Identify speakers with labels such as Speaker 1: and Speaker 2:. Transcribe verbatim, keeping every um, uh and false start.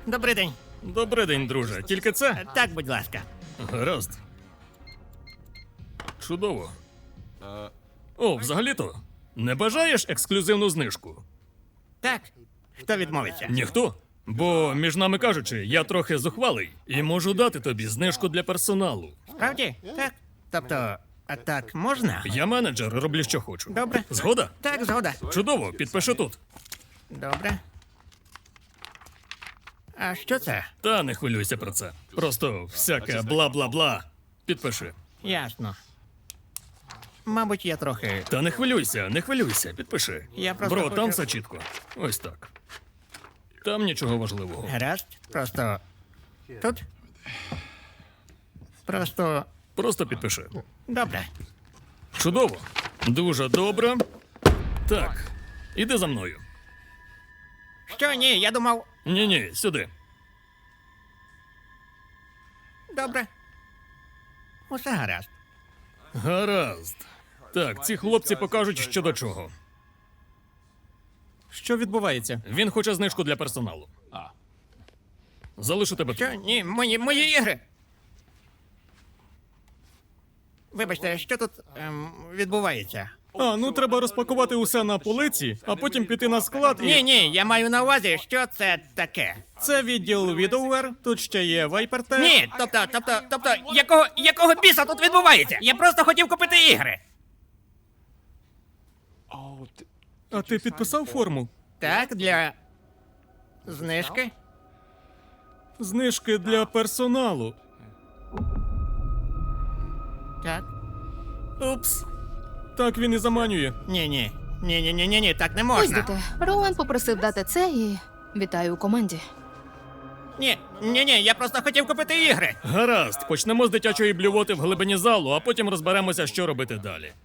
Speaker 1: Добрий день.
Speaker 2: Добрий день, друже. Тільки це?
Speaker 1: Так, будь ласка.
Speaker 2: Гаразд. Чудово. О, взагалі-то, не бажаєш ексклюзивну знижку?
Speaker 1: Так. Хто відмовиться?
Speaker 2: Ніхто? Бо, між нами кажучи, я трохи зухвалий і можу дати тобі знижку для персоналу.
Speaker 1: Справді? Так. Тобто, а так можна?
Speaker 2: Я менеджер, роблю що хочу.
Speaker 1: Добре.
Speaker 2: Згода?
Speaker 1: Так, згода.
Speaker 2: Чудово, підпиши тут.
Speaker 1: Добре. А що це?
Speaker 2: Та не хвилюйся про це. Просто всяке бла-бла-бла. Підпиши.
Speaker 1: Ясно. Мабуть, я трохи.
Speaker 2: Та не хвилюйся, не хвилюйся, підпиши.
Speaker 1: Я просто
Speaker 2: Бро,
Speaker 1: хочу-
Speaker 2: там все чітко. Ось так. Там нічого важливого.
Speaker 1: Гаразд. Просто. Тут? Просто.
Speaker 2: Просто підпиши.
Speaker 1: Добре.
Speaker 2: Чудово. Дуже добре. Так, іди за мною.
Speaker 1: Що ні, я думав.
Speaker 2: Ні-ні, сюди.
Speaker 1: Добре. Усе гаразд.
Speaker 2: Гаразд. Так, ці хлопці покажуть, що до чого.
Speaker 3: Що відбувається?
Speaker 2: Він хоче знижку для персоналу. Залишу тебе тут.
Speaker 1: Що ні, мої, мої ігри. Вибачте, що тут ем, відбувається?
Speaker 3: А, ну треба розпакувати усе на полиці, а потім піти на склад і...
Speaker 1: Ні, ні, я маю на увазі, що це таке.
Speaker 3: Це відділ Widowware, тут ще є Viper.
Speaker 1: Ні, тобто, тобто, тобто, якого, якого біса тут відбувається? Я просто хотів купити ігри.
Speaker 3: А ти підписав форму?
Speaker 1: Так, для знижки.
Speaker 3: Знижки для персоналу.
Speaker 1: Так.
Speaker 2: Упс.
Speaker 3: Так він і заманює.
Speaker 1: Ні, ні. Ні, ні, ні, ні, ні, так не
Speaker 4: Ось
Speaker 1: можна.
Speaker 4: дите. Роуен попросив дати це і вітаю у команді.
Speaker 1: Ні, ні, ні, я просто хотів купити ігри.
Speaker 2: Гаразд, почнемо з дитячої блювоти в глибині залу, а потім розберемося, що робити далі.